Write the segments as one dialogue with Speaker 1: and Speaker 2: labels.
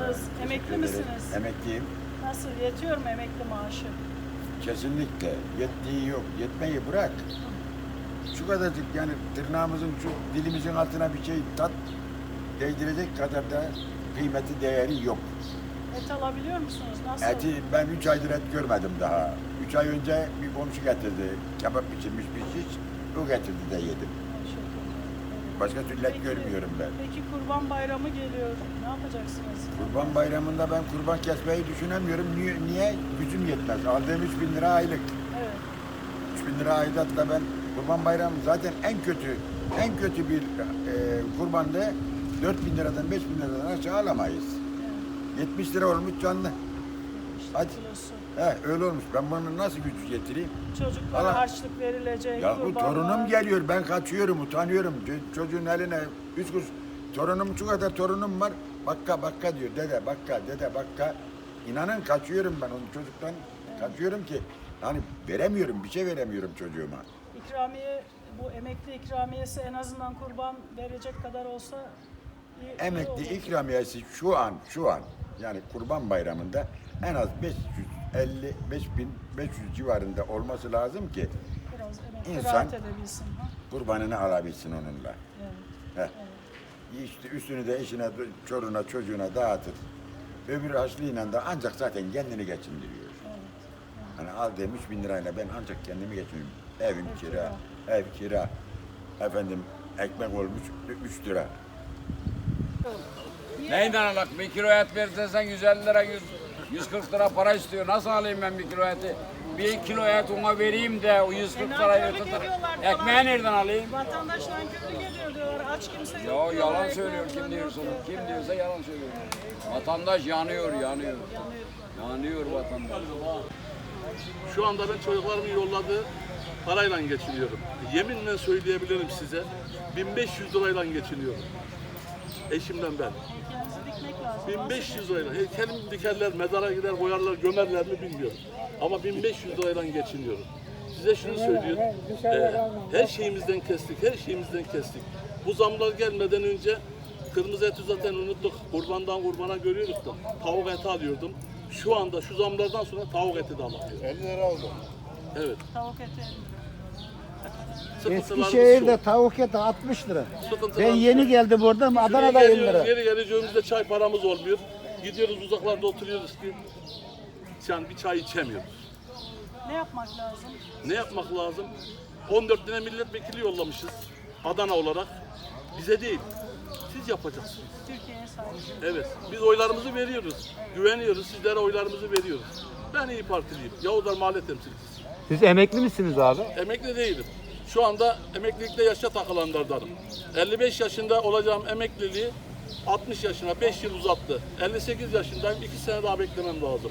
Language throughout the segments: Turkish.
Speaker 1: Nasılsınız? Emekli misiniz?
Speaker 2: Emekliyim.
Speaker 1: Nasıl? Yetiyor mu emekli maaşı?
Speaker 2: Kesinlikle. Yettiği yok. Yetmeyi bırak. Şu kadarcık yani tırnağımızın şu dilimizin altına bir şey tat değdirecek kadar da kıymeti değeri yok.
Speaker 1: Et alabiliyor musunuz? Nasıl?
Speaker 2: Eti ben 3 aydır et görmedim daha. 3 ay önce bir komşu getirdi. Kebap pişirmiş bir şiş. O getirdi de yedim. Başka türlü et görmüyorum ben.
Speaker 1: Peki Kurban Bayramı geliyor. Ne yapacaksınız?
Speaker 2: Kurban Bayramı'nda ben kurban kesmeyi düşünemiyorum. Niye? Gücüm yetmez. Aldığım 3.000 lira aylık.
Speaker 1: Evet.
Speaker 2: 3.000 lira aidatla ben Kurban Bayramı zaten en kötü bir kurbanda 4.000 liradan 5.000 liradan aşağı alamayız.
Speaker 1: Evet.
Speaker 2: 70 lira olmuş canlı.
Speaker 1: İşte
Speaker 2: Hadi.
Speaker 1: kilosu.
Speaker 2: Öyle olmuş. Ben bunu nasıl güç getireyim?
Speaker 1: Çocuklara
Speaker 2: Allah.
Speaker 1: harçlık verilecek.
Speaker 2: Ya bu
Speaker 1: kurbanlar.
Speaker 2: torunum geliyor. Ben kaçıyorum, utanıyorum. Çocuğun eline 3 kuruş. Torunum şu kadar torunum var. Bakka diyor. Dede bakka. İnanın kaçıyorum ben onun çocuktan. Kaçıyorum ki hani veremiyorum, bir şey veremiyorum çocuğuma.
Speaker 1: İkramiye, bu emekli ikramiyesi en azından kurban verecek kadar olsa iyi
Speaker 2: Emekli
Speaker 1: olur.
Speaker 2: ikramiyesi şu an yani Kurban Bayramı'nda en az 550-5.500 civarında olması lazım ki
Speaker 1: Biraz emekli
Speaker 2: İnsan-
Speaker 1: rahat edebilsin. Ha?
Speaker 2: kurbanını alabilsin onunla.
Speaker 1: Evet.
Speaker 2: Heh. İşte üstünü de eşine, çoruna, çocuğuna dağıtır. Öbür harçlığıyla da ancak zaten kendini geçindiriyor. Hani aldığım 3.000 lirayla ben ancak kendimi geçindiriyorum. Evim kira, ev kira. Efendim ekmek olmuş 3 lira.
Speaker 3: Neyden alak? Bir kilo et verirsen 150 lira, 140 lira para istiyor. Nasıl alayım ben bir kilo eti? Bir kilo et ona vereyim de o 140 lirayı
Speaker 1: Nankörlük
Speaker 3: tutar.
Speaker 1: ediyorlar
Speaker 3: Ekmeği
Speaker 1: falan.
Speaker 3: nereden alayım?
Speaker 1: Vatandaş nankörlük ediyor diyorlar. Aç kimse yok
Speaker 3: Ya
Speaker 1: diyorlar.
Speaker 3: yalan
Speaker 1: ekmeği
Speaker 3: söylüyor kim
Speaker 1: bulan
Speaker 3: diyorsa.
Speaker 1: yok diyor.
Speaker 3: Kim diyorsa yalan söylüyor. Vatandaş yanıyor.
Speaker 1: Yanıyor.
Speaker 3: Yanıyor vatandaş.
Speaker 4: Şu anda ben çocuklarımın yolladığı parayla geçiniyorum. Yeminle söyleyebilirim size. 1500 lirayla geçiniyorum. Eşimden ben.
Speaker 1: Heykelinizi dikmek lazım.
Speaker 4: 1500 lirayla. Heykelimi dikerler, mezara gider, boyarlar, gömerler mi bilmiyorum. Ama 1500 lirayla geçiniyorum. Size şunu söylüyorum. Her şeyimizden kestik. Bu zamlar gelmeden önce kırmızı eti zaten unuttuk. Kurbandan kurbana görüyoruz da. Tavuk eti alıyordum. Şu anda şu zamlardan sonra tavuk eti de alamıyorum.
Speaker 5: 50 lira oldu.
Speaker 4: Evet.
Speaker 1: Tavuk eti.
Speaker 4: Sıkıntılarımız
Speaker 5: Eskişehir'de
Speaker 4: şu.
Speaker 5: tavuk eti 60 lira.
Speaker 4: Sıkıntılarımız
Speaker 5: Ben yeni
Speaker 4: şu.
Speaker 5: geldim oradan Adana'da 50 lira.
Speaker 4: Geri geleceğimizde çay paramız olmuyor. Gidiyoruz uzaklarda oturuyoruz ki yani bir çay içemiyoruz.
Speaker 1: Ne yapmak lazım?
Speaker 4: Ne yapmak lazım? 14 tane milletvekili yollamışız Adana olarak. Bize değil. Siz yapacaksınız.
Speaker 1: Türkiye'ye sahip.
Speaker 4: Evet. Biz oylarımızı veriyoruz. Güveniyoruz. Sizlere oylarımızı veriyoruz. Ben İYİ Partiliyim. Yavuzlar Mahalle Temsilcisi.
Speaker 6: Siz emekli misiniz abi?
Speaker 4: Emekli değilim. Şu anda emeklilikte yaşa takılanlardanım. 55 yaşında olacağım emekliliği 60 yaşına 5 yıl uzattı. 58 yaşındayım. 2 sene daha beklemem lazım.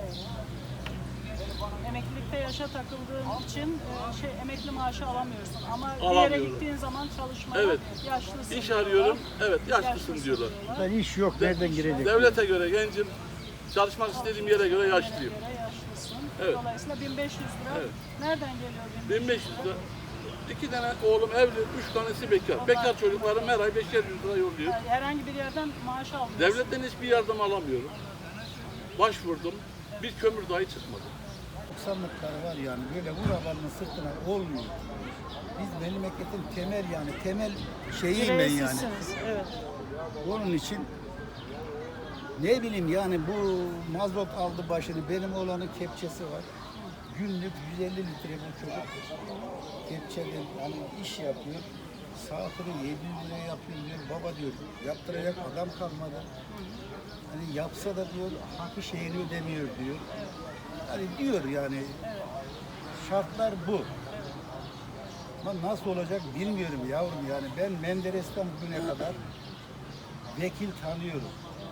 Speaker 1: Emeklilikte yaşa takıldığın için emekli maaşı alamıyorsun. Ama bir yere
Speaker 4: Alamıyorum.
Speaker 1: gittiğin zaman çalışmaya
Speaker 4: Evet.
Speaker 1: yaşlısın.
Speaker 4: İş
Speaker 1: diyorlar.
Speaker 4: arıyorum. Evet, yaşlısın diyorlar.
Speaker 5: Burada iş yok. Nereden girecek?
Speaker 4: Devlete göre gencim. Çalışmak istediğim yere göre yaşlıyım.
Speaker 1: Göre yaşlısın.
Speaker 4: Evet.
Speaker 1: Dolayısıyla 1500 lira.
Speaker 4: Evet.
Speaker 1: Nereden geliyor
Speaker 4: 1500 lira. 2 tane oğlum evli, 3 tanesi bekar. Bekar çocuklarım her ay 500 lira yolluyor.
Speaker 1: Yani herhangi bir yerden maaş almıyorsun.
Speaker 4: Devletten hiçbir yardım alamıyorum. Başvurdum. Bir kömür dahi çıkmadı.
Speaker 5: 90'lıklar var yani böyle vurabanın sırtına olmuyor. Biz memleketin temel şeyiyim ben yani.
Speaker 1: Direğsizsiniz, evet.
Speaker 5: Onun için ne bileyim yani bu mazot aldı başını. Benim oğlanın kepçesi var. Günlük 150 litre bu çocuk. Kepçeden hani iş yapıyor. Saatini 700 liraya yapıyor diyor. Baba diyor yaptıracak adam kalmadı. Hani yapsa da diyor hakkı şeyini ödemiyor diyor. Hani diyor yani şartlar bu. Ama nasıl olacak bilmiyorum yavrum yani ben Menderes'ten bugüne kadar vekil tanıyorum.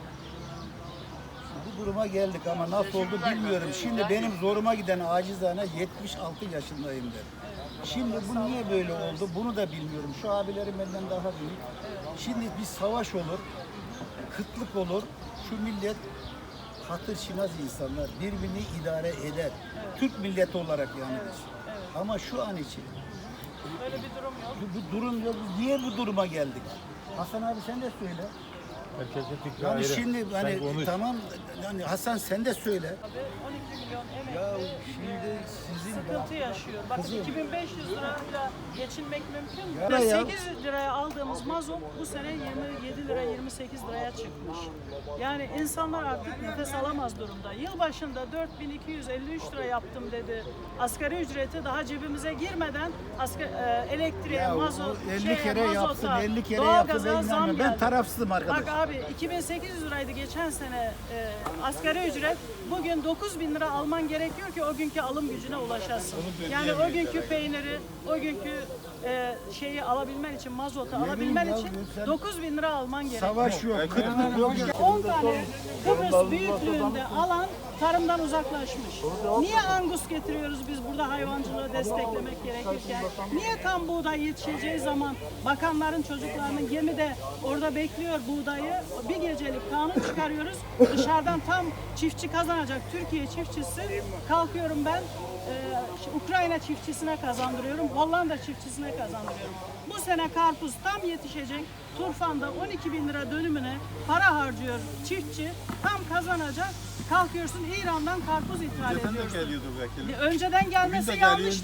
Speaker 5: Bu duruma geldik ama nasıl oldu bilmiyorum. Şimdi benim zoruma giden acizane 76 yaşındayım ben. Şimdi bu niye böyle oldu bunu da bilmiyorum. Şu abilerim benden daha büyük. Şimdi bir savaş olur, kıtlık olur. Şu millet hatırşinaz insanlar birbirini idare eder. Türk milleti olarak yani biz. Ama şu an için
Speaker 1: Böyle bir durum yok.
Speaker 5: bu durum yok. Niye bu duruma geldik? Hasan abi sen de söyle.
Speaker 6: Herkesin fikri
Speaker 5: Yani
Speaker 6: ayrı.
Speaker 5: şimdi
Speaker 6: Sen
Speaker 5: hani
Speaker 6: konuş.
Speaker 5: tamam yani Hasan sen de söyle.
Speaker 1: Abi 12 milyon
Speaker 5: Ya
Speaker 1: emekli
Speaker 5: şimdi sizin
Speaker 1: sıkıntı yaşıyor. Bakın
Speaker 5: Kızım.
Speaker 1: 2500 lirayla geçinmek mümkün mü?
Speaker 5: Ya ya.
Speaker 1: 8 liraya aldığımız mazot bu sene 27 lira 28 liraya çıkmış. Yani insanlar artık nefes alamaz durumda. Yılbaşında 4253 lira yaptım dedi. Asgari ücreti daha cebimize girmeden elektriğe,
Speaker 5: ya,
Speaker 1: mazot,
Speaker 5: o 50 kere yapsın,
Speaker 1: mazota,
Speaker 5: 50 kere yapsın
Speaker 1: doğalgaza
Speaker 5: ben
Speaker 1: zam
Speaker 5: inanmıyorum. Ben
Speaker 1: geldi.
Speaker 5: tarafsızım arkadaş.
Speaker 1: Bak abi 2800 liraydı geçen sene asgari ücret. Bugün 9000 lira alman gerekiyor ki o günkü alım gücüne ulaşasın. Yani o günkü peyniri, o günkü şeyi alabilmen için, mazotu alabilmen
Speaker 5: ya,
Speaker 1: için
Speaker 5: sen-
Speaker 1: 9000 lira alman gerekiyor.
Speaker 5: Savaş yok, kıtlık yok.
Speaker 1: 10 tane Kıbrıs büyüklüğünde alan tarımdan uzaklaşmış. Niye angus getiriyoruz biz burada hayvancılığı desteklemek gerekirken? Niye tam buğday yetişeceği zaman bakanların çocuklarının gemide orada bekliyor buğdayı? Bir gecelik kanun çıkarıyoruz. Dışarıdan tam çiftçi kazanacak Türkiye çiftçisi kalkıyorum ben Ukrayna çiftçisine kazandırıyorum. Hollanda çiftçisine kazandırıyorum. Bu sene karpuz tam yetişecek. Turfan'da 12 bin lira dönümüne para harcıyor çiftçi. Tam kazanacak. Kalkıyorsun İran'dan karpuz ithal ediyorsun. Önceden gelmesi yanlış